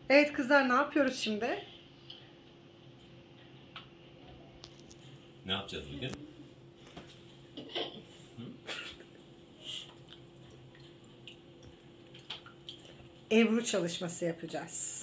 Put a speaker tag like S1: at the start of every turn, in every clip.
S1: Evet kızlar, ne yapıyoruz şimdi?
S2: Ne yapacağız bugün?
S1: Ebru çalışması yapacağız.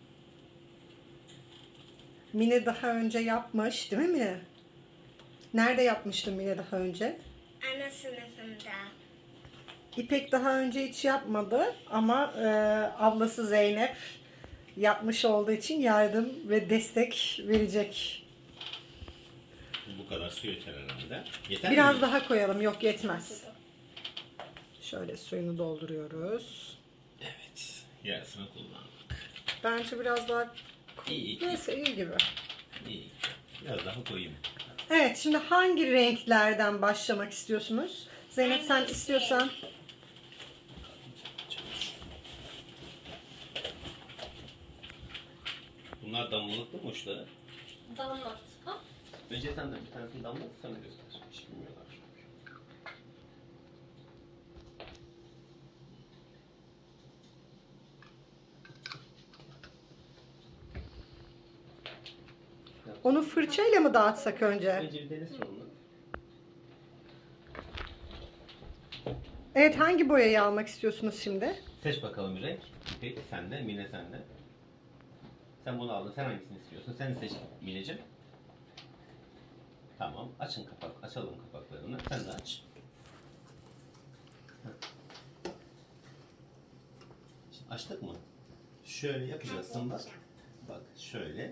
S1: Mine daha önce yapmış, değil mi Mine? Nerede yapmıştın Mine daha önce?
S3: Ana sınıfında.
S1: İpek daha önce hiç yapmadı ama ablası Zeynep yapmış olduğu için yardım ve destek verecek.
S2: Bu kadar su yeter herhalde. Yeter
S1: Biraz
S2: mi?
S1: daha koyalım, yok yetmez. Şöyle suyunu dolduruyoruz.
S2: Evet. Yarısını kullandık.
S1: Bence biraz daha
S2: İyi.
S1: neyse iyi gibi.
S2: İyi. Biraz daha koyayım.
S1: Evet, şimdi hangi renklerden başlamak istiyorsunuz? Zeynep sen istiyorsan.
S2: Bunlar damlalıklı mı uçları?
S3: Damlat. Ha?
S2: Önce sen de bir tanesini damlat, sana göster. Hiç bilmiyorlar çünkü.
S1: Onu fırçayla mı dağıtsak önce?
S2: Önce bir dene sonunu.
S1: Evet, hangi boyayı almak istiyorsunuz şimdi?
S2: Seç bakalım bir renk. İpek sende, Mine sende. Sen bunu aldın. Sen hangisini istiyorsun? Sen seç Mineciğim. Tamam. Açalım kapaklarını. Sen de aç. Şimdi açtık mı? Şöyle yapacaksın bak. Bak şöyle.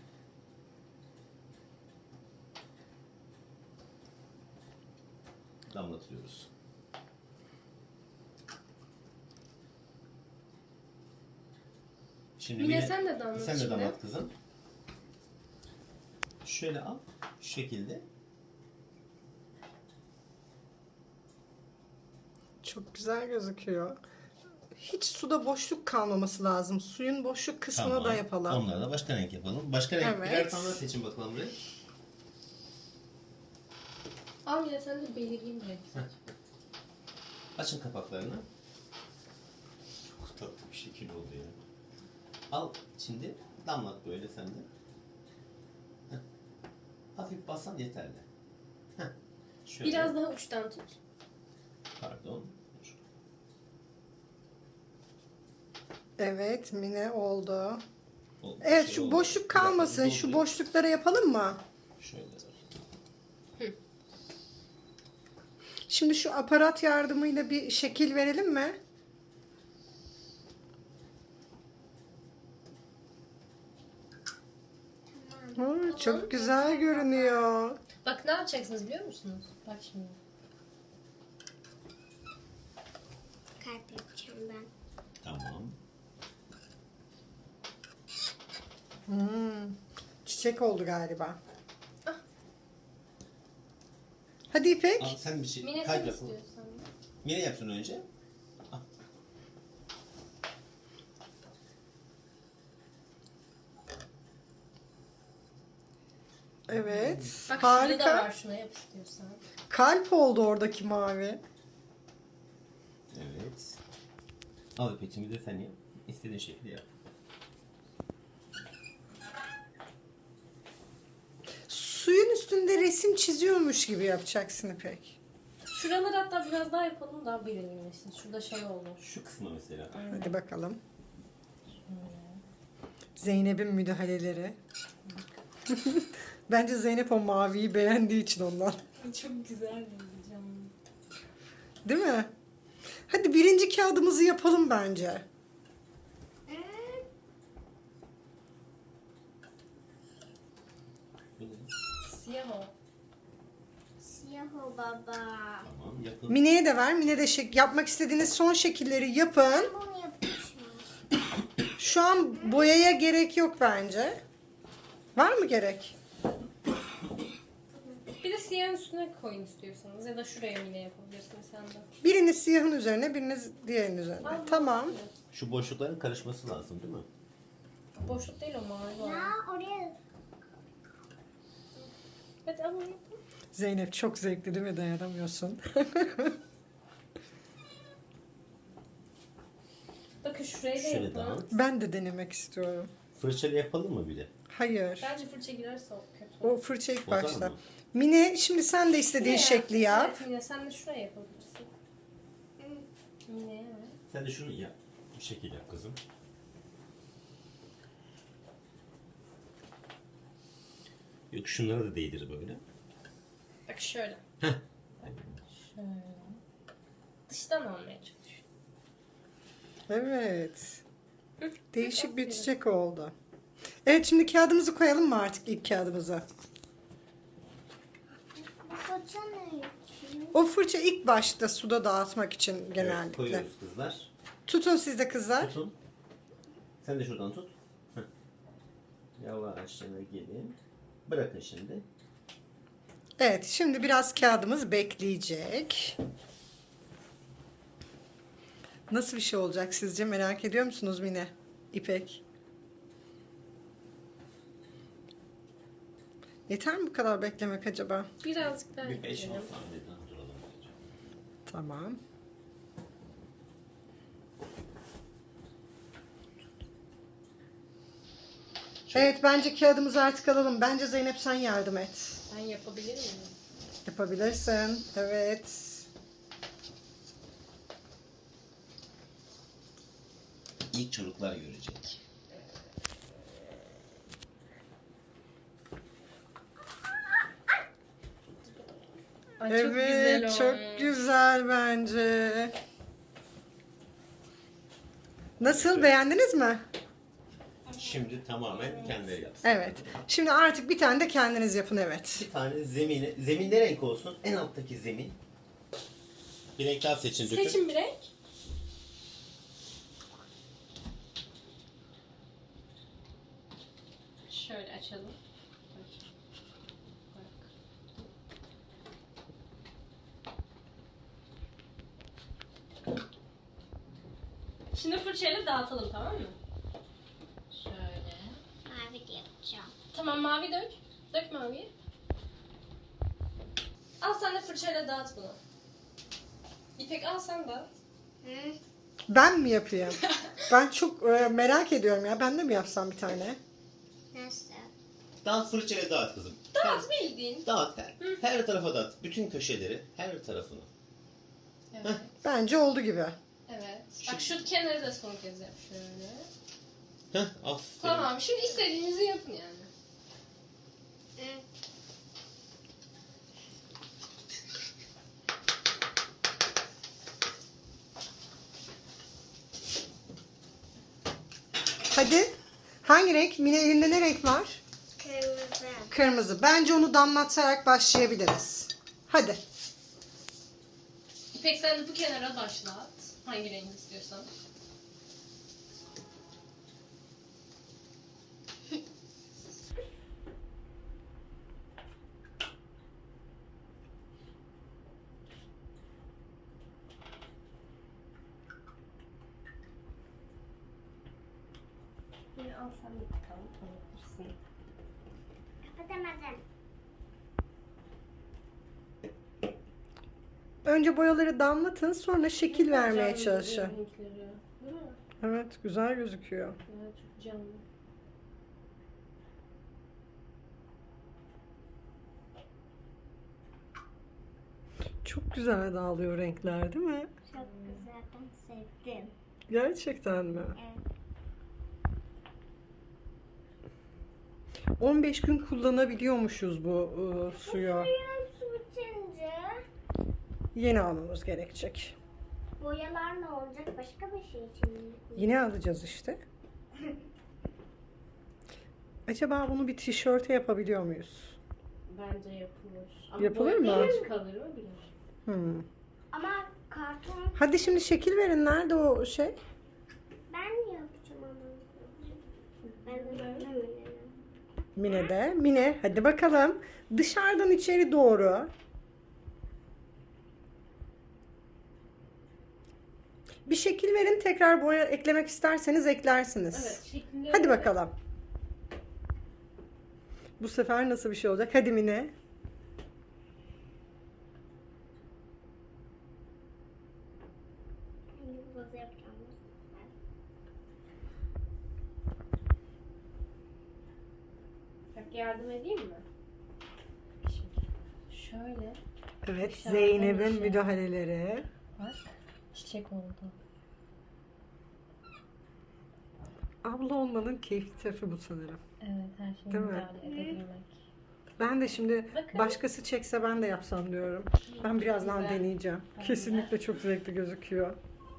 S2: Damlatıyoruz. Şimdi
S3: Mine sen de damlat
S2: Sen de
S3: şimdi.
S2: damlat kızım. Şöyle al. Şu şekilde.
S1: Çok güzel gözüküyor. Hiç suda boşluk kalmaması lazım. Suyun boşluk kısmına da yapalım.
S2: Onları da başka renk yapalım. Başka renk
S1: Evet.
S2: birer tane seçin bakalım renk.
S3: Al Mine sen de belirgin bir renk.
S2: Açın kapaklarını. Çok tatlı bir şekil oldu ya. Al şimdi damlat böyle sen de. Heh. Hafif bassan yeterli. Heh. Şöyle.
S3: Biraz daha uçtan tut.
S2: Pardon.
S1: Evet, Mine oldu.
S2: Oldu.
S1: Evet,
S2: Şey
S1: şu
S2: oldu.
S1: boşluk
S2: Bir dakika,
S1: kalmasın. Şu
S2: doldurayım.
S1: boşlukları yapalım mı?
S2: Şöyle.
S1: Şimdi şu aparat yardımıyla bir şekil verelim mi? Çok güzel görünüyor.
S3: Bak ne yapacaksınız biliyor musunuz? Bak şimdi.
S4: Kalp yapacağım ben.
S2: Tamam.
S1: Çiçek oldu galiba.
S3: Ah.
S1: Hadi İpek.
S2: Al sen bir şey.
S3: Mine
S2: kalp
S3: sen
S2: yap.
S3: istiyorsan.
S2: Mine yapsın önce. Al.
S1: Evet.
S3: Bak şurada da
S1: Harika.
S3: var şuna yap istiyorsan.
S1: Kalp oldu oradaki mavi.
S2: Evet. Al İpek'cim bir de sen yap. İstediğin şekilde yap.
S1: Suyun üstünde resim çiziyormuş gibi yapacaksın İpek.
S3: Şuraları hatta biraz daha yapalım daha belirginleşsin. Şurada şey oldu.
S2: Şu kısmı mesela.
S1: Hadi bakalım. Zeynep'in müdahaleleri. Bence Zeynep o maviyi beğendiği için ondan.
S3: Çok güzel yazacağım.
S1: Değil mi? Hadi birinci kağıdımızı yapalım bence.
S2: Bu ne?
S3: Siyah o.
S4: Siyah o baba.
S2: Tamam yapın.
S1: Mine'ye de ver. Mine de yapmak istediğiniz son şekilleri yapın.
S4: Bunu yapmışım.
S1: Şu an boyaya gerek yok bence. Var mı gerek?
S3: Bir de siyahın üstüne koyun istiyorsanız ya da şuraya yine yapabilirsiniz sen de.
S1: Biriniz siyahın üzerine, biriniz diğerinin üzerine.
S3: Al,
S1: Tamam.
S2: Şu boşlukların karışması lazım değil mi?
S3: Boşluk değil o mavi olan.
S4: Ya oraya
S3: Evet ama yapın.
S1: Zeynep çok zevkli değil mi? Dayanamıyorsun.
S3: Bakın şuraya da
S2: Şöyle
S3: yapın.
S2: dağıt.
S1: Ben de denemek istiyorum.
S2: Fırçayla yapalım mı bir de?
S1: Hayır.
S3: Bence fırça girerse o kötü.
S1: O fırça ilk
S2: Bozar
S1: başta.
S2: mı?
S1: Mine şimdi sen de istediğin
S3: Şuraya.
S1: şekli yap.
S3: Evet Mine sen de şuraya yapabilirsin. Mine evet.
S2: Sen de şunu yap. Bir şekil yap kızım. Yok şunlara da değdir böyle.
S3: Bak şöyle.
S2: Heh.
S3: Şöyle. Dıştan almaya çalış.
S1: Evet. Değişik bir
S3: Aferin.
S1: çiçek oldu. Evet şimdi kağıdımızı koyalım mı artık ilk kağıdımıza?
S4: Bu fırça ne için?
S1: O fırça ilk başta suda dağıtmak için
S2: Evet,
S1: genellikle.
S2: koyuyoruz kızlar.
S1: Tutun siz de kızlar.
S2: Tutun. Sen de şuradan tut. Heh. Yavaşça gelin. Bırakın şimdi.
S1: Evet şimdi biraz kağıdımız bekleyecek. Nasıl bir şey olacak sizce, merak ediyor musunuz Mine? İpek? Yeter mi bu kadar beklemek acaba?
S3: Birazcık daha
S2: Bir 5-10
S3: ekleyelim.
S2: saniye daha duralım.
S1: Tamam. Evet bence kağıdımızı artık alalım. Bence Zeynep sen yardım et.
S3: Ben yapabilir miyim?
S1: Yapabilirsin. Evet.
S2: İlk çocuklar görecek.
S3: Ay,
S1: Evet,
S3: çok güzel
S1: çok
S3: olmuş.
S1: güzel bence. Nasıl, beğendiniz mi?
S2: Şimdi tamamen kendileri yapsın.
S1: Evet. Şimdi artık bir tane de kendiniz yapın, evet.
S2: Bir tane zemini, zemin ne renk olsun? En alttaki zemin. Bir renk daha seçin dökün.
S3: Seçin bir renk. Şöyle açalım. Bak. Şimdi fırçayla dağıtalım, tamam mı? Şöyle.
S4: Mavi de yapacağım.
S3: Tamam, mavi dök. Dök maviyi. Al sen de fırçayla dağıt bunu. İpek al sen dağıt.
S4: Hı?
S1: Ben mi yapayım? Ben çok merak ediyorum ya. Ben de mi yapsam bir tane?
S4: Nasıl?
S2: Dağıt fırçayla dağıt kızım.
S3: Dağıt bildiğin.
S2: Dağıt. Her tarafa dağıt. Bütün köşeleri. Her tarafını.
S3: Evet.
S1: Bence oldu gibi.
S3: Evet. Bak şu kenarı da son kez yap şöyle.
S2: Heh, aferin.
S3: Tamam, şimdi istediğinizi yapın yani.
S4: Hı.
S1: Hadi. Hangi renk? Mine elinde ne renk var?
S4: Kırmızı.
S1: Kırmızı. Bence onu damlatarak başlayabiliriz. Hadi.
S3: İpek sen de bu kenara başlat. Hangi renk istiyorsan. Yine al sen de bakalım, tanıtırsın.
S4: Kapatamadım.
S1: Önce boyaları damlatın, sonra şekil vermeye
S3: Canlı
S1: çalışın.
S3: renkleri, değil mi?
S1: Evet, güzel gözüküyor.
S3: Evet, çok canlı.
S1: Çok güzel dağılıyor renkler, değil mi?
S4: Çok güzel. Ben sevdim.
S1: Gerçekten mi?
S4: Evet.
S1: 15 gün kullanabiliyormuşuz bu suyu.
S4: Suyun su bitince
S1: Yeni almamız gerekecek.
S4: boyalar ne olacak? Başka bir şey için mi?
S1: Yine alacağız işte. Acaba bunu bir tişörte yapabiliyor muyuz?
S3: Bence yapılır. Ama
S1: Yapılır mı?
S3: boyatlar kalır mı bilmiyorum.
S1: Hmm.
S4: Ama karton
S1: Hadi şimdi şekil verin. Nerede o şey?
S4: ben yapacağım ama. Ben de böyle mi?
S1: Mine de. Mine hadi bakalım. Dışarıdan içeri doğru. Bir şekil verin. Tekrar boya eklemek isterseniz eklersiniz.
S3: Evet, şeklinde.
S1: Hadi bakalım. Bu sefer nasıl bir şey olacak? Hadi Mine.
S4: Yıldız yapacağım.
S3: Yardım edeyim mi? Şimdi şöyle
S1: Evet,
S3: Dışarıdan
S1: Zeynep'in
S3: içe.
S1: müdahaleleri.
S3: bak. Çiçek oldu.
S1: Abla olmanın keyifli tarafı bu sanırım.
S3: Evet, her şeyi
S1: Değil mi?
S3: müdahale edebilmek.
S1: Ben de şimdi
S3: Bakın.
S1: başkası çekse ben de yapsam diyorum. Ben birazdan
S3: Güzel.
S1: deneyeceğim.
S3: Ben de.
S1: Kesinlikle çok zevkli gözüküyor.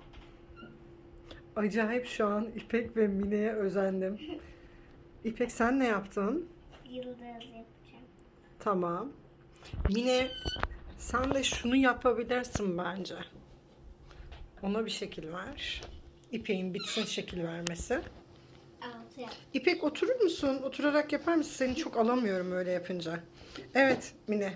S1: Acayip şu an İpek ve Mine'ye özendim. İpek sen ne yaptın?
S4: Yıldız yapacağım.
S1: Tamam. Mine sen de şunu yapabilirsin bence. Ona bir şekil ver. İpek'in bitsin şekil vermesi.
S4: 6 yap.
S1: İpek oturur musun? Oturarak yapar mısın? Seni çok alamıyorum öyle yapınca. Evet Mine.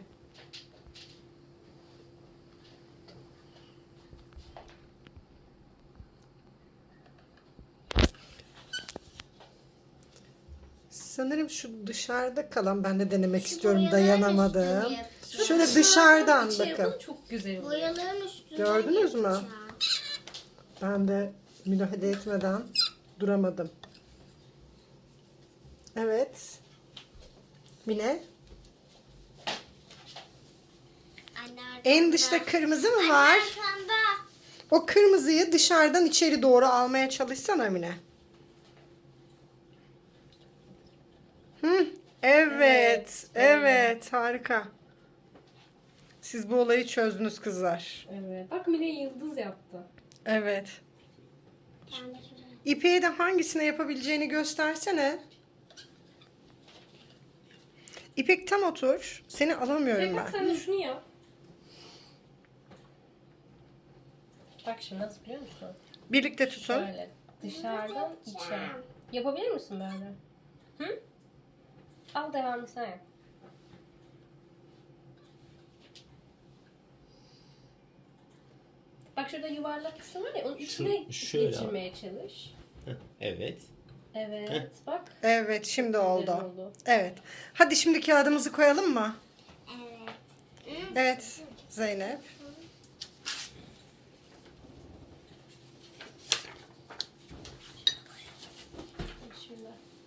S1: Sanırım şu dışarıda kalan ben de denemek istiyorum.
S4: boyaların
S1: Dayanamadım.
S4: üstüne yapacağım.
S1: Şöyle dışarıdan
S3: İçe
S1: bakın.
S3: yapın, çok güzel oluyor.
S4: Boyaların üstüne
S1: Gördünüz mü?
S4: yapacağım.
S1: Ben de müdahale etmeden duramadım. Evet. Mine.
S4: Anne
S1: En dışta kırmızı mı var?
S4: arkanda.
S1: O kırmızıyı dışarıdan içeri doğru almaya çalışsana Mine. Hı, evet, evet, harika. Siz bu olayı çözdünüz kızlar.
S3: Evet. Bak Mine yıldız yaptı.
S1: Evet.
S4: Ben de şuraya.
S1: İpeğe de hangisine yapabileceğini göstersene. İpek tam otur. Seni alamıyorum
S3: Bak
S1: ben.
S3: sen de şunu yap. Bak şimdi nasıl biliyor musun?
S1: Birlikte tutun.
S3: Şöyle dışarıdan içe. Yapabilir misin böyle? Hı? Al devamını sen yap. Bak şurada yuvarlak kısım var ya onun içine
S2: şöyle
S3: geçirmeye çalış.
S2: Evet.
S3: Evet bak.
S1: Evet, şimdi
S3: Güzel
S1: oldu. Evet. Hadi şimdi kağıdımızı koyalım mı?
S4: Evet.
S1: Evet, Zeynep.
S3: Şimdi.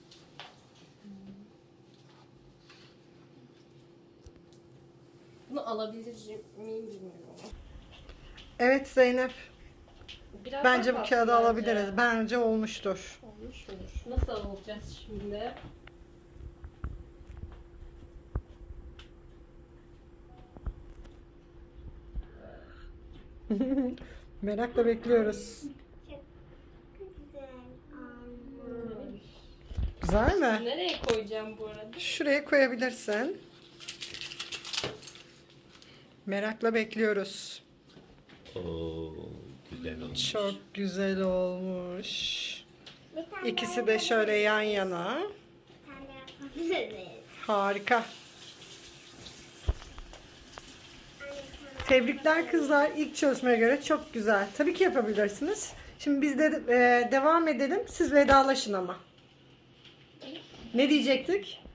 S3: Bunu alabilir miyim bilmiyorum.
S1: Evet Zeynep.
S3: Biraz
S1: Bence
S3: daha
S1: bu kağıdı
S3: kalsın
S1: alabiliriz. Bence olmuştur.
S3: Olmuş olur. Nasıl alacağız şimdi?
S1: Merakla bekliyoruz.
S4: Güzel. Anne.
S1: Güzel mi?
S3: Nereye koyacağım bu arada?
S1: Şuraya koyabilirsin. Merakla bekliyoruz.
S2: Oo, güzel olmuş.
S1: Çok güzel olmuş.
S4: Bir tane
S1: İkisi de şöyle yan yana.
S4: Bir tane yapabiliriz.
S1: Harika. Tebrikler kızlar. İlk çalışmaya göre çok güzel. Tabii ki yapabilirsiniz. Şimdi biz de devam edelim. Siz vedalaşın ama. Ne diyecektik?